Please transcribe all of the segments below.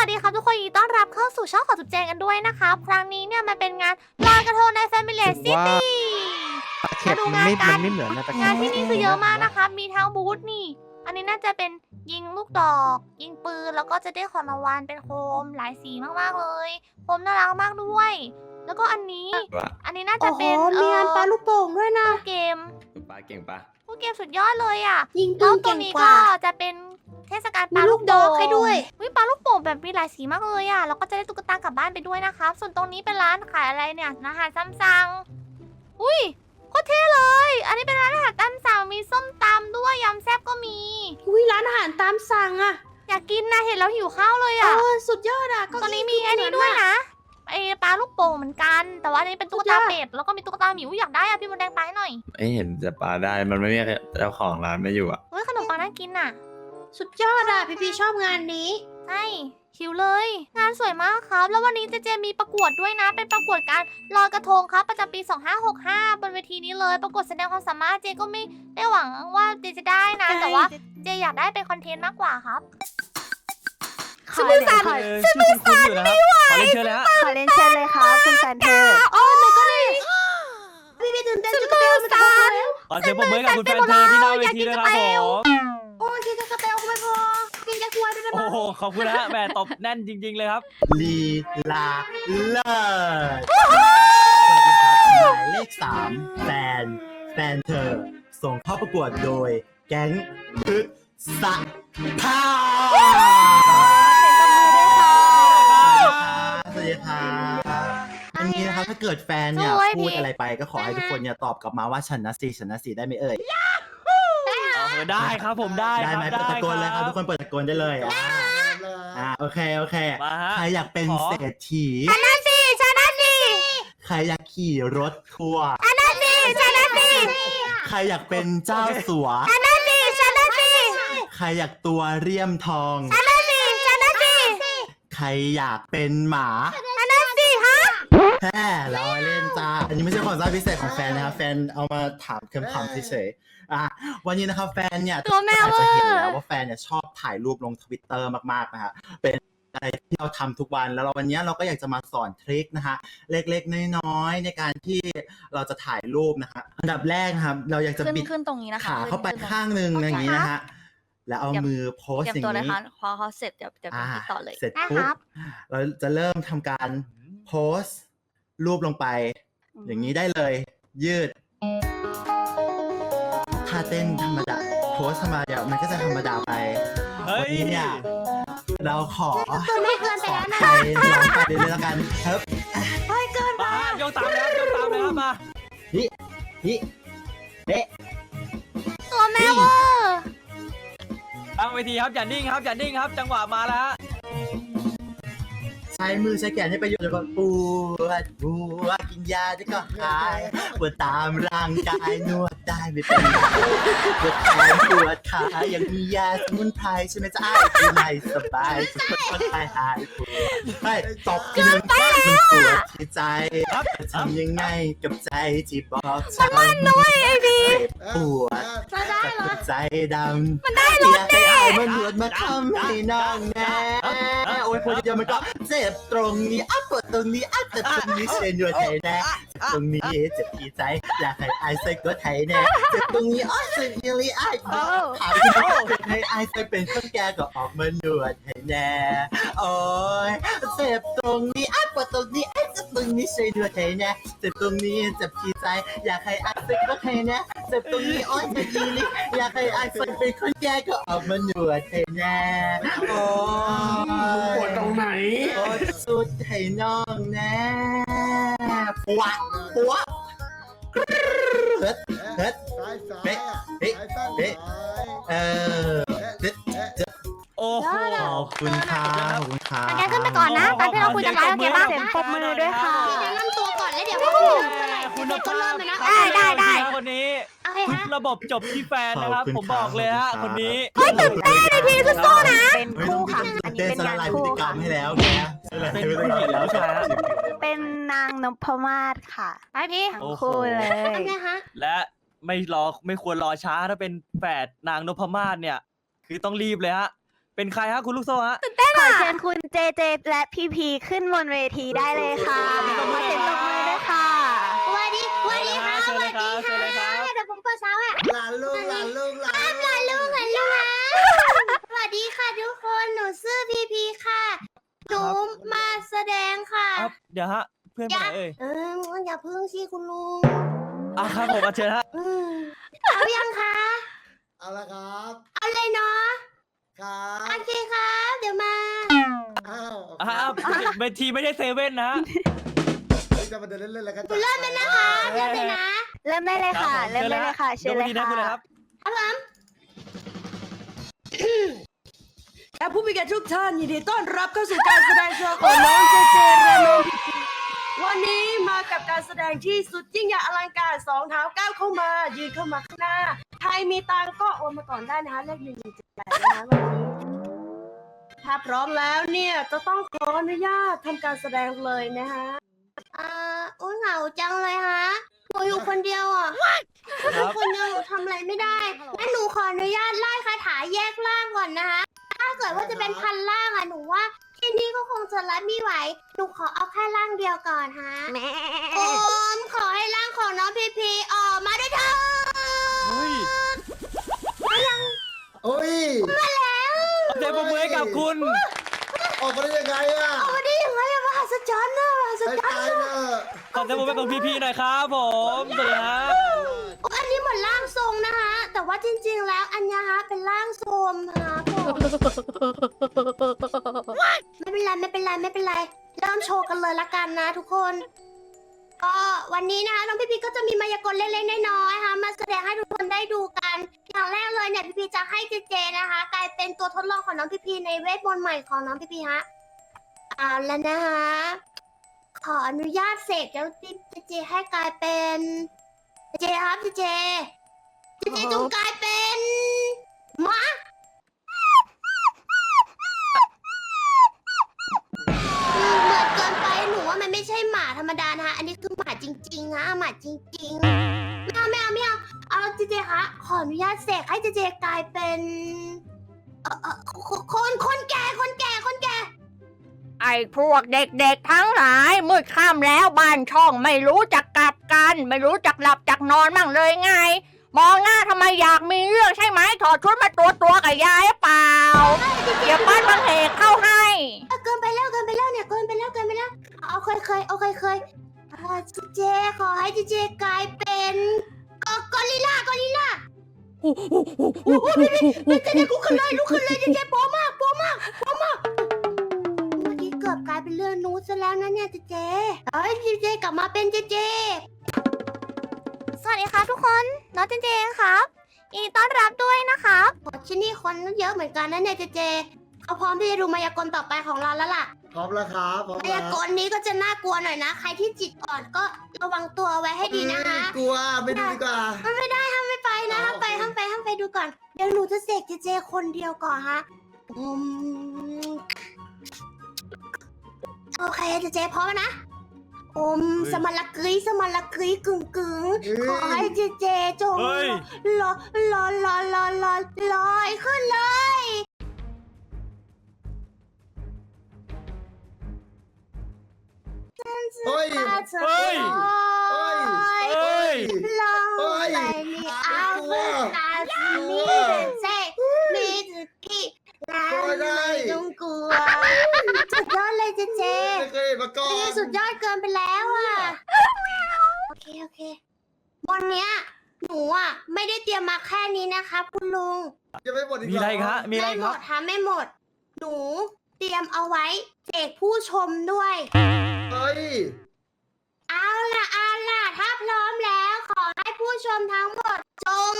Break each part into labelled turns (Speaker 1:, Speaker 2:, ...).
Speaker 1: สดีครับทุกคนยินดีต้อนรับเข้าสู่ช่องของจุ๊บแจงกันด้วยนะคะครั้งนี้เนี่ยมันเป็นงานลอยกระทงใน Family City
Speaker 2: เข็บมันไม่เหมือนนะตะ
Speaker 1: งานที่นี่คือเยอะมากนะคะมีทั้งบูธนี่อันนี้น่าจะเป็นยิงลูกดอกยิงปืนแล้วก็จะได้ของรางวัลเป็นโคมหลายสีมากๆเลยโคมน่ารักมากด้วย แล้วก็อันนี้น่าจะเป็น
Speaker 3: มีงานปลาลูกโป่งด้วยนะ
Speaker 1: เกม
Speaker 4: ปลาเก่งปะ
Speaker 1: ผู้เกมสุดยอดเลยอ่ะ
Speaker 3: ยิงปื
Speaker 1: แล้ว
Speaker 3: น
Speaker 1: ตัว
Speaker 3: เก่ง
Speaker 1: นี้
Speaker 3: ก
Speaker 1: ก็
Speaker 3: ว่า
Speaker 1: จะเป็นเทศกาลป
Speaker 3: มี
Speaker 1: ลา
Speaker 3: ลู
Speaker 1: ลู
Speaker 3: ก
Speaker 1: ก
Speaker 3: ด
Speaker 1: โป่
Speaker 3: อก
Speaker 1: ง
Speaker 3: ให้ด้วย
Speaker 1: ปลาลูกโป่งแบบมีหลายสีมากเลยอ่ะแล้วก็จะได้ตุ๊กตากลับบ้านไปด้วยนะคะส่วนตรงนี้เป็นร้านขายอะไรเนี่ยอาหารซ้ำสั่งอุ้ยโคตรเท่เลย อันนี้เป็นร้านอาหารตามสั่งมีส้มตำด้วยยำแซ่บก็มี
Speaker 3: อุ้ยร้านอาหารตามสั่งอะ
Speaker 1: อยากกินนะเห็นแล้วหิวข้าวเลย
Speaker 3: เอ
Speaker 1: อ่ะ
Speaker 3: อสุดยอดอะ
Speaker 1: ตรงนี้มีอันนี้ด้วยนะไอปลาลูกโป่งเหมือนกัน แต่ว่าอันนี้เป็นตุ๊กตาเป็ดแล้วก็มีตุ๊กตาหมีอยากได้อ่ะพี่มดแดงไปให้หน่อย
Speaker 4: ไม่เห็นจะปลาได้มันไม่มีเจ้าของร้านไม่อยู่อ่ะ
Speaker 1: เฮ้ยขนมปังน่ากินอ่ะ
Speaker 3: สุดยอดอะพี่ชอบงานนี้
Speaker 1: ใช่หิวเลย งานสวยมากครับ แล้ววันนี้เจมีประกวดด้วยนะ เป็นประกวดการลอยกระทงครับ ประจำปี 2565 บนเวทีนี้เลย ประกวดแสดงความสามารถเจก็ไม่ได้หวังว่าเจจะได้นะ แต่ว่าเจอยากได้เป็นคอนเทนต์มากกว่าครับ
Speaker 5: ชื่อมือสั่นชื่อมือสั่นอยู่นะครับขอเรียนเชิญเลยฮะ
Speaker 6: ขอเรียนเชิญเลยครับคุณแฟนเธอ
Speaker 3: โอ้ไม่ก็ได้พี่ตื่นเต้นจะกระเตลมันจะพอแล้ว
Speaker 5: ขอเสียงปรบมือให้กับคุณแฟนเธอที่หน้าเวทีด้วยนะครับผม
Speaker 3: โอ้ยกินจะกระเตลก็ไม่พอกินแค่ควายด้วยได้ไหม
Speaker 5: โอ้โหขอบคุณนะฮะแหมตบแน่นจริง ๆเลยครับ
Speaker 2: ลีลาเลิศสวัสดีครับหมายเลข3แฟนเธอ ส่งเข้าประกวดโดย แก๊งพึกษะพาสวัสดีครับอันนี้นะครับถ้าเกิดแฟนเนี่ย
Speaker 1: สวย
Speaker 2: พูด
Speaker 1: พี่
Speaker 2: อะไรไปก็ขอให้ทุกคนเนี่ยตอบกลับมาว่าฉันนะสิได้ไหมเอ่ย
Speaker 5: ได้ครับผมได้
Speaker 2: ได้
Speaker 5: ครับ
Speaker 2: ไหมเปิดตะโกนเลยครับทุกคนเปิดตะโกนได้เลยโอเค
Speaker 5: มาฮะ
Speaker 2: ใครอยากเป็นเศรษฐี
Speaker 1: ชนะสิชนะสิ
Speaker 2: ใครอยากขี่รถทัวร์
Speaker 1: ชนะสิชนะสิ
Speaker 2: ใครอยากเป็นเจ้าสัว
Speaker 1: ชนะสิชนะสิ
Speaker 2: ใครอยากตัวเรียมทอง
Speaker 1: ชนะสิชนะสิ
Speaker 2: ใครอยากเป็นหมา
Speaker 1: ชนะสิฮะ
Speaker 2: แฮ่เราเล่นจ้า อันนี้ไม่ใช่ความสามารถพิเศษของแฟนนะครับ แฟนเอามาถามคำถามเฉยๆวันนี้นะครับแฟนเนี่ย
Speaker 1: ตัวแม่
Speaker 2: อาจ
Speaker 1: เว
Speaker 2: จะ
Speaker 1: อ
Speaker 2: เห็น
Speaker 1: ร์
Speaker 2: แล้วว่าแฟนเนี่ยชอบถ่ายรูปลงทวิตเตอร์มากๆนะฮะเป็นอะไรที่เราทำทุกวันแล้ววันนี้เราก็อยากจะมาสอนทริคนะฮะเล็กๆน้อยๆในการที่เราจะถ่ายรูปนะฮะอันดับแรกนะครับเราอยากจะบิด
Speaker 6: ขึ้นตรงนี้นะคะ
Speaker 2: ขาเข้าไปข้างหนึ่งอย่างนี้นะฮะแล้วเอามือโพส
Speaker 6: เตรีย
Speaker 2: อย่าง
Speaker 6: มตัวเลย
Speaker 2: นี้
Speaker 6: ค่ะพอเขาเสร็จเดี๋ยวติดต่อเลย
Speaker 2: เสร็จ
Speaker 1: ได้
Speaker 2: ปุ๊
Speaker 1: ครับ บ
Speaker 2: เราจะเริ่มทำการโพสรูปลงไป อย่างนี้ได้เลย ยืดท่าเต้นธรรมดาโพสธรรมดามันก็จะธรรมดาไป
Speaker 5: เฮ้
Speaker 2: วั
Speaker 5: ย
Speaker 2: นี้เนี่ยเราขอ
Speaker 3: ตัวไม่เกินไปแล้วนะ
Speaker 2: ไปลองไปเลยแล้วกันครับ
Speaker 5: มาฮะยกตามเลยครับยกตามเลยครับมา
Speaker 2: ฮิเอ๊ะ
Speaker 1: ตัวแม่เวอร์
Speaker 5: ตั้งเวทีครับอย่านิ่งครับอย่านิ่งครับ จังหวะมาแล้วฮะ
Speaker 2: ใช้มือใช้แขนให้ประโยชน์ก่อนปวดกินยาจะก็หายปวดตามร่างกายนวดได้ไม่เป็นไรปวดแขนปวดขายังมียาสมุนไพรใช่ไหมจ๊ะอ้ายที่ไม่สบายจะทนไปหายปวดไม่ตบทีนึงมันปวดที่ใจจะทำยังไงกับใจที่บอกฉันมันด้วยไอ้ดีปวด
Speaker 3: จะได้เหรอ
Speaker 2: ใจดำมันได้รถแน่อยากให้เอามันหนวดมาทำให้น้องแน่โอ้ยพอเดียวมันก็เจ็บตรงนี้ปวดตรงนี้เจ็บตรงนี้เชนหนวดไทยแน่เจ็บตรงนี้เจ็บที่ใจอยากให้ไอ้ใส่ก็ไทยแน่เจ็บตรงนี้เจ็บยี่ลีไอ้ถามที่น้องเจ็บให้ไอ้ใส่เป็นคนแก่ก็ออกมาหนวดให้แน่โอ้ยเจ็บตรงนี้ปวดตรงนี้เจ็บตรงนี้เชนหนวดไทยแน่เจ็บตรงนี้เจ็บที่ใจอยากให้ไอ้ใส่ก็ไทยแน่เจ็บตรงนี้เจ็บยี่ลีอยากให้ไอ้ใส่เป็นคนแก่ก็ออกมาหนวดให้แน่โอ้ยปวดตรงไหนโอ้ยสุดให้น้องแน่ปัวเฮ็ดเฮ็ดเฮ้เออเฮ็ด
Speaker 5: โอ้โห
Speaker 2: ขอบคุณครับขอบคุณครับ
Speaker 1: งั้นขึ้นไปก่อนนะตอนที่เราคุยกันไว้โอเคป่ะ
Speaker 6: เสียงปรบมือด้วยค่ะ
Speaker 3: แนะนำตัวก่อนแล้วเดี๋ยวให้เริ่มเมื่อไหร่
Speaker 5: คุณ
Speaker 3: เดี๋ยวก็เริ่มเลยนะ
Speaker 1: ได้
Speaker 5: คนนี้
Speaker 1: โอเค
Speaker 5: ทุ
Speaker 1: ฮะ
Speaker 5: กระบบจบที่แฟนนะครับผมบอกเลยฮะคนนี้
Speaker 1: เฮ้ยตื่นเต้นเลยพี่สู้ๆนะ
Speaker 6: เป็นคู่ค่ะ อันนี้
Speaker 2: เต้น
Speaker 6: เป็น
Speaker 2: ส
Speaker 6: งาน
Speaker 2: ลายพฤ
Speaker 6: คู่
Speaker 2: ติกรร
Speaker 6: ค่ะ
Speaker 2: มให้แล้วแก
Speaker 5: เป็นผู้หญิงแล้วใช่ไหมฮะ
Speaker 6: เป็นนางนพมาศค่ะ
Speaker 1: ไปพี่
Speaker 6: ทั้งคู่เลย
Speaker 3: ทำไงคะ
Speaker 5: และไม่ควรรอช้าถ้าเป็นแฝดนางนพมาศเนี่ย คือต้องรีบเลยฮะเป็นใครฮะคุณลูกโซ่ฮะ
Speaker 6: ขอเชิญคุณเจเจและพีพีขึ้นบนเวทีได้เลยค่ะมาเต็มตบมือด้วยค่ะ
Speaker 3: สวัสดีค่ะ
Speaker 5: เชิญเลยครับเชิญเลยครับ
Speaker 3: เดี๋ยวผมเปิดเช้าอ่ะ
Speaker 2: หลานลูกหลานลูกหลาน
Speaker 3: ลูกสวัสดีค่ะทุกคนหนูชื่อพีพีค่ะหนูมาแสดงค่ะ
Speaker 5: ครับเดี๋ยวฮะเพื่อนไปไหนเอ่ย
Speaker 3: อย่าพึ่งสิคุณลุง
Speaker 5: ครับผมเชิญฮะ
Speaker 3: เอายังคะ
Speaker 2: เอาละครับ
Speaker 3: เอาเลยเนาะ
Speaker 2: ครับ
Speaker 3: โอเคครับเดี๋ยวมา
Speaker 2: อ้าว
Speaker 5: เวทีไม่ใช่เซเว่นนะ
Speaker 2: จะมาเดินเล่นๆแล้วกัน
Speaker 3: เริ่มเลยนะคะเริ่มเลยนะ
Speaker 6: เริ่มได้เลยค่ะ เริ่มได้เลยค่ะ เชิญเลย
Speaker 5: ดี๋ววันนี้นะ
Speaker 6: ค่ะ
Speaker 5: คุณเลยครับ
Speaker 3: ครับผม
Speaker 7: และผู้มีเกียรติทุกท่านยินดีต้อนรับเข้าสู่การแสดงโชว์ของน้องเจเจและน้องพีพีวันนี้มากับการแสดงที่สุดยิ่งใหญ่อลังการสองเท้าก้าวเข้ามายืนเข้ามาข้างหน้าใครมีตังค์ก็โอนมาก่อนได้นะคะเลข1178นะคะวันนี้ถ้าพร้อมแล้วเนี่ยจะต้องขออนุญาตทำการแสดงเลยนะคะ
Speaker 3: อุ้ยเหงาจังเลยฮะหนูอยู่คนเดียวอ่ะ
Speaker 5: ครับ
Speaker 3: คนเดียวหนูทำอะไรไม่ได้งั้นหนูขออนุญาตไล่คาถาแยกร่างก่อนนะคะ ถ้าเกิดว่าจะเป็นพันร่างอ่ะหนูว่าที่นี่ก็คงจะรับไม่ไหว หนูขอเอาแค่ร่างเดียวก่อนฮะโอมขอให้ร่างของน้องพีพีออกมาด้วยเถอะ
Speaker 5: เฮ้ย
Speaker 2: โอ้ย
Speaker 5: เอาใจปรบมือให้กับคุณ
Speaker 2: ออกมาได้ยังไงอ่ะ
Speaker 3: เอามาได้ยังไงอะมหัศจรรย์นะมหัศ
Speaker 2: ไอ้
Speaker 3: จรร
Speaker 2: ตาย
Speaker 3: ย์
Speaker 2: เนอะ
Speaker 5: ขอใจปรบมือให้กับพี่ๆหน่อยครับผมสวัสดีฮะ
Speaker 3: อันนี้เหมือนร่างทรงนะคะ แต่ว่าจริงๆแล้วอันเนี้ยฮะเป็นร่างทรงฮะผมไม่เป็นไรไม่เป็นไรไม่เป็นไรเริ่มโชว์กันเลยละกันนะทุกคน ก็วันนี้นะคะน้องพี่พีก็จะมีมายากลเล็กๆน้อยๆค่ะมาแสดงให้ทุกคนได้ดูกัน อย่างแรกเลยเนี่ยพี่พีจะให้เจเจนะคะ กลายเป็นตัวทดลองของน้องพี่พีในเวทมนต์ใหม่ของน้องพี่พีฮะเอาแล้วนะคะขออนุญาตเสกแล้วเจเจให้กลายเป็นเจเจครับเจเจจงกลายเป็นหมาเหมือนเกินไปหนูว่ามันไม่ใช่หมาธรรมดานะคะอันนี้คือหมาจริงๆนะหมาจริงๆไม่เอาเอาเจเจคะขออนุญาตเสกให้เจเจกลายเป็นคนแก่
Speaker 8: ไอ้พวกเด็กๆทั้งหลายมืดค่ำแล้วบ้านช่องไม่รู้จักกลับกัน ไม่รู้จักหลับจักนอนบ้างเลยไง มองหน้าทำไมอยากมีเรื่องใช่ไหมถอดชุดมาตัวกับยายเปล่าเดี๋ยวบ้านบางเหตุเข้าให้
Speaker 3: เกินไปแล้วเนี่ยเกินไปแล้วเอาเคยเจเจขอให้เจเจกลายเป็นกอริลลาโอ้เจเจลุกขึ้นเลยเจเจโป๊มากเมื่อกี้เกือบกลายเป็นเรื่องนูซะแล้วนะเนี่ยเจเจเฮ้ยเจเจกลับมาเป็นเจเจ
Speaker 1: สวัสดีครับทุกคนน้องเจเจครับยินดีต้อนรับด้วยนะครับ
Speaker 3: โอ้ที่นี่คนเยอะเหมือนกันนะเนี่ยเจเจเขาพร้อมที่จะดูมายากลต่อไปของเราแล้วล่ะ
Speaker 2: พร้อมแล้วครับพร้อม
Speaker 3: มา
Speaker 2: แล้
Speaker 3: ยาว กลนี้ก็จะน่ากลัวหน่อยนะ ใครที่จิตอ่อนก็ระวังตัวไว้ให้ดีนะคะ
Speaker 2: กลัวไม่ดูดีกว่า
Speaker 3: ไม่ได้ห้ามไม่ไปนะห้ามไปดูก่อน เดี๋ยวหนูจะเสกเจเจคนเดียวก่อนฮะโอเคเจเจพร้อมนะสมรกรีกึ่งขอให้เจเจจง
Speaker 5: เฮ้ย
Speaker 3: ลอยขึ้นเลย
Speaker 2: เฮ้ย
Speaker 5: เฮ้ย เฮ้ย
Speaker 3: ลอย
Speaker 2: เฮ้ย
Speaker 3: ไปนี่เอาเพื่อนตาสีมีเจมีจุกี้แล้วไม่ต้องกลัวสุดยอดเลยเจเจ
Speaker 2: ไม่เคยเห็นมาก่อ
Speaker 3: นี่
Speaker 2: น
Speaker 3: สุดยอดเกินไปแล้วอ่ะ โอเควันเนี้ยหนูอ่ะไม่ได้เตรียมมาแค่นี้นะคะคุณลุง
Speaker 2: ยังไม่หมดอีก
Speaker 5: มีอะไรอีกฮะ มีอะไร
Speaker 3: ไม่
Speaker 5: อีก
Speaker 3: หม
Speaker 5: ครับ
Speaker 3: ดค่ะไม่หมด หนูเตรียมเอาไว้แจกผู้ชมด้วย
Speaker 2: เฮ้ย
Speaker 3: เอาล่ะ ถ้าพร้อมแล้วขอให้ผู้ชมทั้งหมดจง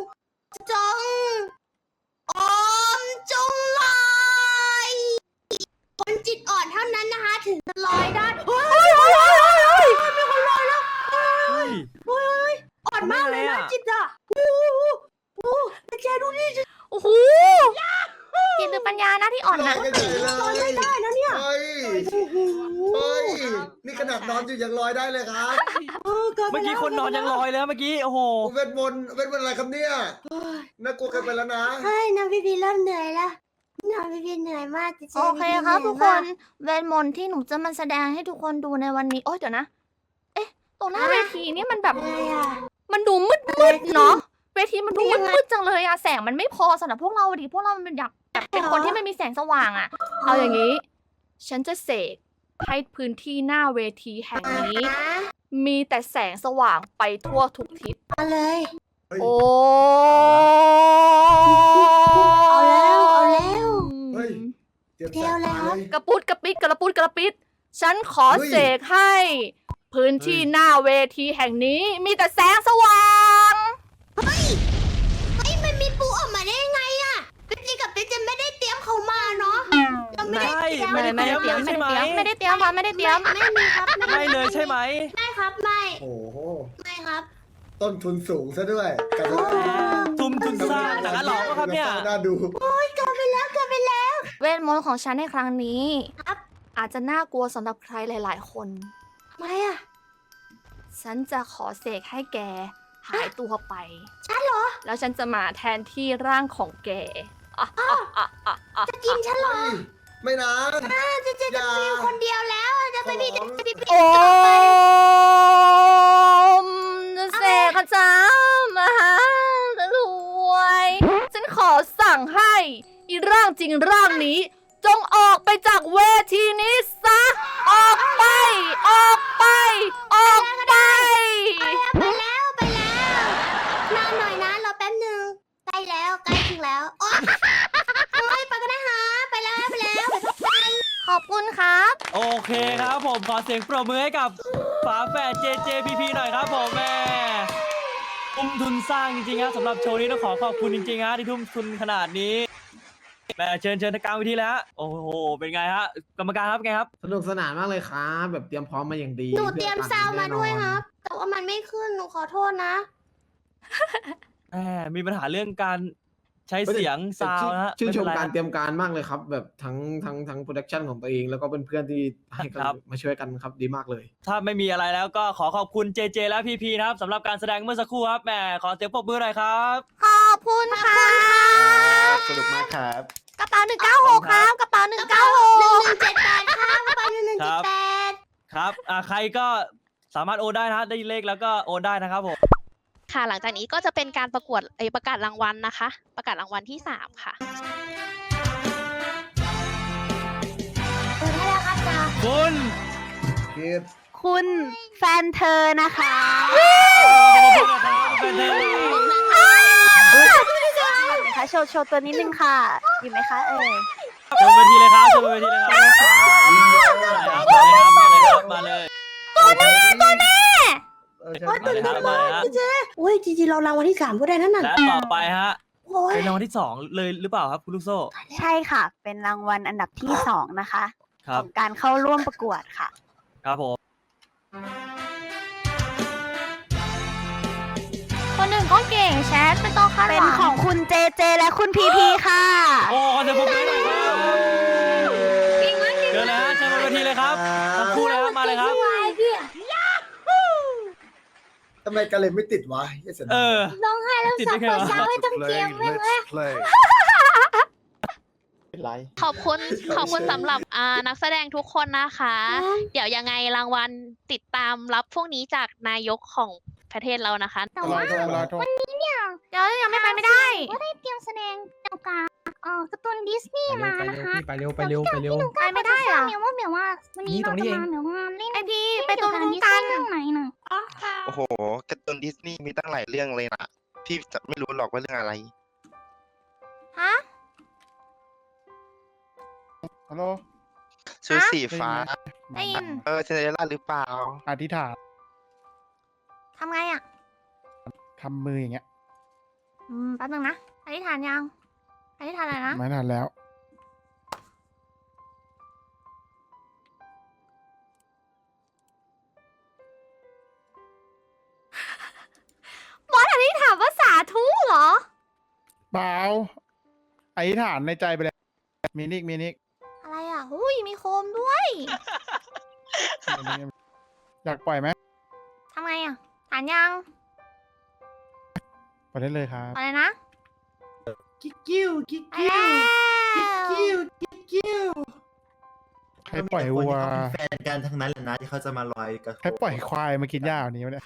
Speaker 3: จงลอยคนจิตอ่อนเท่านั้นนะคะ ถึงจะลอยได้เฮ้ยมีคนลอยแล้ว
Speaker 5: เฮ้ย
Speaker 3: อ่อนมากเลยนะจิตอ่ะโอ้แกดูนี่
Speaker 1: โอ้โหจิตหรือปัญญานะที่อ่อนนะ
Speaker 2: ลอยกันใหญ่เลย
Speaker 3: ลอยไม่ได้นะเนี่ย
Speaker 2: เฮ้ย เฮ้ย นี่ขนาดนอนอยู่ยังลอยได้เลยครับ
Speaker 5: เมื่อกี้คนนอนยังลอยแล้วเมื่อกี้ โอ้โห
Speaker 2: เวทมนต์อะไรครับเนี่ย น่ากลัวเกินไปแล้วนะ
Speaker 3: เฮ้ยน้ำพี่พีเริ่มเหนื่อยแล้วพี่พีเหนื่อยมากจริงๆ
Speaker 1: โอเคครับ
Speaker 3: พี่
Speaker 1: ทุ
Speaker 3: พี
Speaker 1: ก
Speaker 3: เห
Speaker 1: ค
Speaker 3: นื่อย
Speaker 1: นเวทมนต์ที่หนูจะมาแสดงให้ทุกคนดูในวันนี้ โอ๊ยเดี๋ยวนะ เอ๊ะ ตรงหน้าเวทีนี่มันแบบ
Speaker 3: มากอะไรอ่ะ
Speaker 1: มันดูมืดเนาะ เวทีมันดูมืดจังเลยอะแสงมันไม่พอสำหรับพวกเราดิ พวกเรามันอยากแบบเป็นคนที่ไม่มีแสงสว่างอะเอาอย่างนี้ ฉันจะเสกให้พื้นที่หน้าเวทีแห่งนี้ มีแต่แสงสว่างไปทั่วทุกทิศ
Speaker 3: เอาเลย
Speaker 1: โอ้
Speaker 3: เอาแล้วเอาแล้ว
Speaker 9: เฮ้ย เตรียม
Speaker 3: เดี๋ยวแล้ว
Speaker 9: เลย
Speaker 1: กระปุดกระปิดกระปุดกระปิด ฉันขอเสกให้ พื้นที่หน้าเวทีแห่งนี้ มีแต่แสงสว่าง
Speaker 3: เฮ้ยมันมีปูออกมาได้ยังไงอ่ะพี่จีกับพี่เจนไม่ได้เตรียมเขามาเนาะเราไม่ได้เตรียม
Speaker 5: ไม่ได้เตรียม
Speaker 1: ไม่
Speaker 5: ใช่ไหม
Speaker 1: ได้เตรียมค่ะไม่ได้เตรียม
Speaker 3: ไม่มีครับ
Speaker 5: ไม่เลยใช่ไหม
Speaker 3: ไม่ครับไม่
Speaker 9: โอ้โห
Speaker 3: ไม่ครับ
Speaker 9: ต้นทุนสูงซะด้วยกับ
Speaker 5: ทุนสร้างหนังหลอกครับเนี่ย
Speaker 9: น่าดู
Speaker 3: เกิดไปแล้ว
Speaker 1: เวทมนต์ของฉันในครั้งนี้
Speaker 3: ครับ
Speaker 1: อาจจะน่ากลัวสำหรับใครหลาย ๆ คน
Speaker 3: ทำไมอ่ะ
Speaker 1: ฉันจะขอเสกให้แกหายตัวไป
Speaker 3: ฉันเหรอ
Speaker 1: แล้วฉันจะมาแทนที่ร่างของแก
Speaker 3: จะกินฉันเหรอ
Speaker 9: ไม่นะ
Speaker 3: เจะจะมีคนเดียวแล้วจะไปมีจะพี่
Speaker 1: โอ้มจะเสกอาจารย์มหารวย ฉันขอสั่งให้อีร่างจริงร่างนี้ จงออกไปจากเวทีนี้ซะ ออกไป ออกไป ออกไป
Speaker 3: ไปแล้วนานหน่อยนะรอแป๊บหนึ่งใกล้แล้วใกล้ถึงแล้วโอ๊ยไปกันนะคะไปแล้วไป
Speaker 1: ขอบคุณครับ
Speaker 5: โอเคครับผมขอเสียงปรบมือให้กับฝาแฝด JJPP หน่อยครับผมแม่ทุ่มทุนสร้างจริงๆครับสำหรับโชว์นี้ต้องขอขอบคุณจริงๆฮะที่ทุ่มทุนขนาดนี้แม่เชิญทางกลางเวทีแล้วฮะโอ้โหเป็นไงฮะกรรมการครับไงครับ
Speaker 10: สนุกสนานมากเลยครับแบบเตรียมพร้อมมาอย่างดี
Speaker 3: หนูเตรียม
Speaker 10: พื่อ
Speaker 3: ซาวด์มาด้วย
Speaker 10: แน่นอน
Speaker 3: ครับ แต่ว่ามันไม่ขึ้นหนูขอโทษนะ
Speaker 5: แหมมีปัญหาเรื่องการใช้เสียงซาวน์นะฮะ
Speaker 10: ชื่นชม
Speaker 5: ไเป็
Speaker 10: การ
Speaker 5: ไฮะ
Speaker 10: เตรียมการมากเลยครับ แบบทั้งโปรดักชันของตัวเองแล้วก็เพื่อนๆที่ให้กัน
Speaker 5: ครับ
Speaker 10: มาช่วยกันครับดีมากเลย
Speaker 5: ถ้าไม่มีอะไรแล้วก็ขอขอบคุณ JJ และ PP นะครับสำหรับการแสดงเมื่อสักครู่ครับแหมขอเสียงปรบมือหน่อยครับ
Speaker 1: ขอบคุณค่ะ
Speaker 2: สนุกมากครับ
Speaker 1: กระเป๋า196 ครับ กระเป๋า196
Speaker 3: 1178ครับไป1178
Speaker 5: ครับใครก็สามารถโอนได้นะฮะได้เลขแล้วก็โอนได้นะครับผม
Speaker 11: ค่ะหลังจากนี้ก็จะเป็นการประกวดประกาศรางวัลนะคะ ประกาศรางวัลที่ 3 ค่ะ
Speaker 3: เปิดให้แล้วครับจ้า
Speaker 5: คุณ
Speaker 9: คิด
Speaker 6: คุณแฟนเธอนะคะ
Speaker 5: เป็นเธอ
Speaker 6: นะคะโชว์ตัวนิดนึงค่ะ อยู่ไหมคะเอ่ย
Speaker 5: เชิญเวทีเลยครับเชิญเวทีเลยครับมาเลยครับมาเลย
Speaker 9: ตัวแม่
Speaker 3: โอ๊ยตื่นเต้น
Speaker 5: มาเลย
Speaker 3: มาก
Speaker 5: ครับ
Speaker 3: พี่เจโอ้ยจริงๆเรารางวัลที่ 3ก็ได้นั่นน่ะ
Speaker 5: และต่อไปฮะ
Speaker 3: โอ้ย
Speaker 5: เป็นรางวัลที่2เลยหรือเปล่าครับคุณลูกโซ่
Speaker 6: ใช่ค่ะ เป็นรางวัลอันดับที่ 2 นะคะ
Speaker 5: ครั
Speaker 6: ข
Speaker 5: บ
Speaker 6: องการเข้าร่วมประกวดค่ะ
Speaker 5: ครับผม
Speaker 1: คนหนึ่งก็เก่งแชทไม่ต้องคาดห
Speaker 6: เป็น
Speaker 1: วัง
Speaker 6: ของคุณเจเจและคุณพีพีค่ะ
Speaker 5: โอ้ขอเสียงปรบมือหน่อยครับเชิญเลยฮะเชิญบนเวทีเลยครับทั้งคู่เลยครับมาเลยครับ
Speaker 9: ทำไมกันเลยไม่ติดวะเหี้ยเสียดาย
Speaker 5: เออ
Speaker 3: ร้องไห้แล้ว
Speaker 5: ติด
Speaker 3: สั
Speaker 5: ได้
Speaker 3: บ
Speaker 5: ไง
Speaker 3: เปิด
Speaker 5: วะ
Speaker 3: เช้าให้ทั้งเกมแม่งเลย
Speaker 2: เป็นไร
Speaker 11: ขอบคุณสำหรับนักแสดงทุกคนนะคะ เดี๋ยวยังไงรางวัลติดตามรับพวกนี้จากนายกของประเทศเรานะคะ
Speaker 3: แต่ว่า
Speaker 1: เดี๋ยวยังไม่ไปไม่ได้
Speaker 3: ก็ได้เตรียมแสดงเกี่ยวกับการ์ตูนดิสนีย์มานะคะ
Speaker 10: ไปเร็วไปเร็ว
Speaker 1: ไปไม่ได้อะ
Speaker 3: เมียว่าวันนี้เราจะมาเมียว่าเล่น
Speaker 1: ไอพี่ไปตรงนู้นกัน
Speaker 3: เรื่องไหนน่ะ
Speaker 12: โอ้โหการ์ตูนดิสนีย์มีตั้งหลายเรื่องเลยนะพี่จะไม่รู้หรอกว่าเรื่องอะไร
Speaker 1: ฮะ
Speaker 9: ฮัลโหล
Speaker 12: ชุดสีฟ้า
Speaker 1: ได้ยิน
Speaker 12: ซินเดอเรลล่าหรือเปล่า
Speaker 9: อธิษฐาน
Speaker 1: ทำไงอ่ะ
Speaker 9: ทำมืออย่างเงี้ย
Speaker 1: แป๊บนึงนะอธิษฐานยังอธิษฐานอะไรนะ
Speaker 9: ไม่นานแล้ว
Speaker 1: บอสอธิษฐานว่าสาธุเหรอ
Speaker 9: เปล่าอธิษฐานในใจไปแล้วมินิก
Speaker 1: อะไรอ่ะอุ้ยมีโคมด้วย
Speaker 9: อยากปล่อยไหม
Speaker 1: ทำไงอ่ะฐานยัง
Speaker 9: ปล่อยได้เลยครับ
Speaker 1: อะไรนะ
Speaker 7: กิ๊กกิ้วกิ๊ก
Speaker 1: ไป
Speaker 7: กิ้
Speaker 1: แล้ว ว
Speaker 2: กิ้วกิ้ว
Speaker 9: ใครปล่อยวัว
Speaker 2: เขาเป็นแฟนกันทั้งนั้นแหละนะที่เขาจะมาลอยกระทง
Speaker 9: ใครปล่อยควายมากินหญ้าวันนี้วะเนี่ย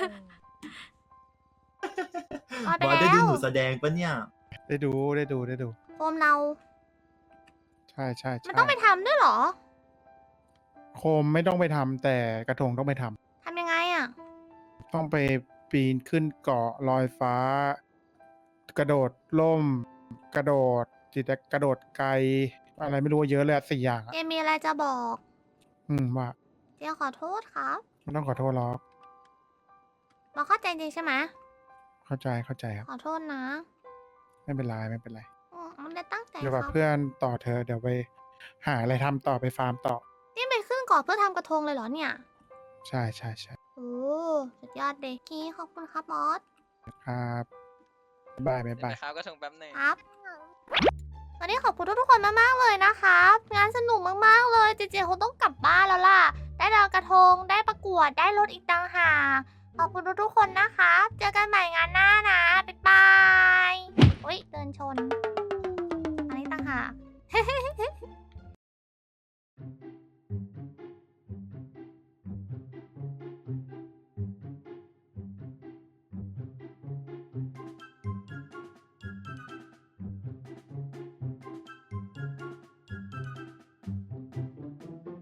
Speaker 1: ลอยไป
Speaker 2: บอย
Speaker 1: แล้
Speaker 2: ได้ดู
Speaker 1: ว
Speaker 2: หนูแสดงปะเนี่ย
Speaker 9: ได้ดูได้ดูได้ดู
Speaker 1: โฟมเรา
Speaker 9: ใช่ใช่
Speaker 1: มัน
Speaker 9: ใช่
Speaker 1: ต้องไปทำด้วยเหรอ
Speaker 9: โคมไม่ต้องไปทำแต่กระทงต้องไปทำ
Speaker 1: ทำยังไงอ่ะ
Speaker 9: ต้องไปปีนขึ้นเกาะลอยฟ้า กระโดดล่ม กระโดดกระโดดไกล อะไรไม่รู้เยอะเลยอะ4 อย่าง
Speaker 1: เจ
Speaker 9: อะ
Speaker 1: มีอะไรจะบอก
Speaker 9: ว่า
Speaker 1: เจขอโทษครับ
Speaker 9: ไม่ต้องขอโทษหรอก
Speaker 1: เราเข้าใจจริงใช่ไหม
Speaker 9: เข้าใจเข้าใจครับ
Speaker 1: ขอโทษนะ
Speaker 9: ไม่เป็นไรไม่เป็นไร
Speaker 1: มันได้ตั้งใจ
Speaker 9: เดี๋ยว
Speaker 1: ค
Speaker 9: กั
Speaker 1: รั
Speaker 9: บบ เพื่อนต่อเธอเดี๋ยวไปหาอะไรทำต่อไปฟาร์มต่อ
Speaker 1: นี่ไปขึ้นเก่อนเพื่อทำกระทงเลยเหรอเนี่ย
Speaker 9: ใช่ใช่ใช่
Speaker 1: โอ้สุดยอดเด็กกี้ขอบคุณครับมอส
Speaker 9: ครับบ๊ายบายบ๊ายบาย
Speaker 5: ครับก็ส่งแป๊บนึง
Speaker 1: ครับ วันนี้ขอบคุณทุกๆคนมากๆเลยนะครับ งานสนุกมากๆเลย เจเจคงต้องกลับบ้านแล้วล่ะ ได้ลอยกระทง ได้ประกวด ได้รถอีกต่างหาก ขอบคุณทุกๆคนนะคะ เจอกันใหม่